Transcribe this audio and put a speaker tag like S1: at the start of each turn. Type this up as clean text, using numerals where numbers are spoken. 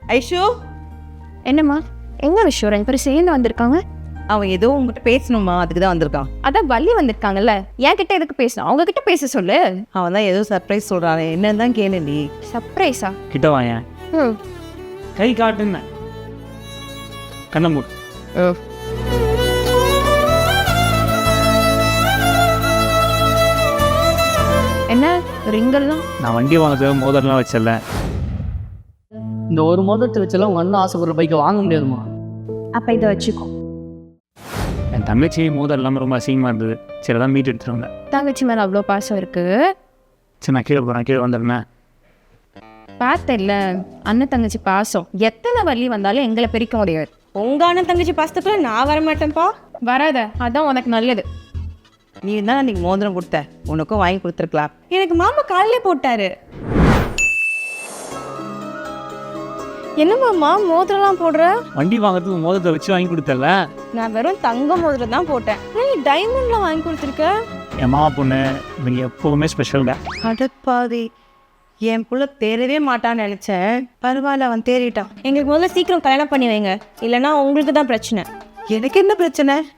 S1: ஐஷு,
S2: என்னம்மா எங்க விஷயம் ரெண்டு பேரும் சேர்ந்து வந்திருக்காங்க?
S1: அவன் ஏதோ உங்ககிட்ட பேசணுமா, அதுக்கு தான் வந்திருக்கான்.
S2: அதான் வள்ளி வந்திருக்காங்கல்ல, என் கிட்ட எதுக்கு பேசணும்? அவங்க கிட்ட பேச சொல்லு.
S1: அவன் தான் ஏதோ சர்ப்ரைஸ் சொல்றான், என்னன்னு தான் கேளு நீ.
S2: சர்ப்ரைஸா?
S3: கிட்ட வாயேன். கை காட்டுன்னு கண்ணை மூடு.
S2: என்ன ரிங்கெல்லாம்?
S3: நான் வண்டி வாங்குறது மோதிரம்லாம் வச்சல.
S4: இந்த ஒரு மோதிரத்தை வச்செல்லாம் உங்கள் அண்ணன் ஆசைப்படுற பைக்கை வாங்க முடியாதுமா.
S2: அப்ப இதை வச்சுக்கோ.
S3: என் தங்கச்சி மோதிரம் இல்லாமல் ரொம்ப அசிங்கமாக இருந்தது. சரி தான் மீட்டு எடுத்துட்டு வந்தேன்.
S2: தங்கச்சி மேல அவ்வளோ பாசம் இருக்கு.
S3: சரி நான் கீழே போகிறேன், கீழே வந்துடுறேன்.
S2: பார்த்தேன்ல அண்ணன் தங்கச்சி பாசம். எத்தனை வள்ளி வந்தாலும் எங்களை பிரிக்க முடியாது.
S5: உங்க அண்ணன் தங்கச்சி பாசத்துக்குள்ள நான் வர மாட்டேன்ப்பா.
S2: வராத, அதான் உனக்கு நல்லது.
S1: நீ தான் அன்னைக்கு மோதிரம் கொடுத்த, உனக்கும் வாங்கி கொடுத்துருக்கலாம்.
S5: எனக்கு மாமா காலையிலே போட்டாரு. என்ன மாமா மோதிரம்லாம் போடுற?
S3: வண்டி வாங்குறதுக்கு மோதிரத்தை வச்சு வாங்கி கொடுத்தல.
S5: நான் வெறும் தங்க மோதிரம் தான் போட்டேன். நீ டைமண்ட்லாம் வாங்கி கொடுத்துருக்க.
S3: என் மாமா பொண்ணு இவங்க எப்போவுமே ஸ்பெஷல் தான்.
S1: அடப்பாதி, என் புள்ள தேரவே மாட்டான்னு நினைச்சேன். பரவாயில்ல, அவன் தேறிட்டான்.
S5: எங்களுக்கு முதல்ல சீக்கிரம் கல்யாணம் பண்ணி வைங்க, இல்லைன்னா உங்களுக்கு தான் பிரச்சனை.
S1: எனக்கு என்ன பிரச்சனை?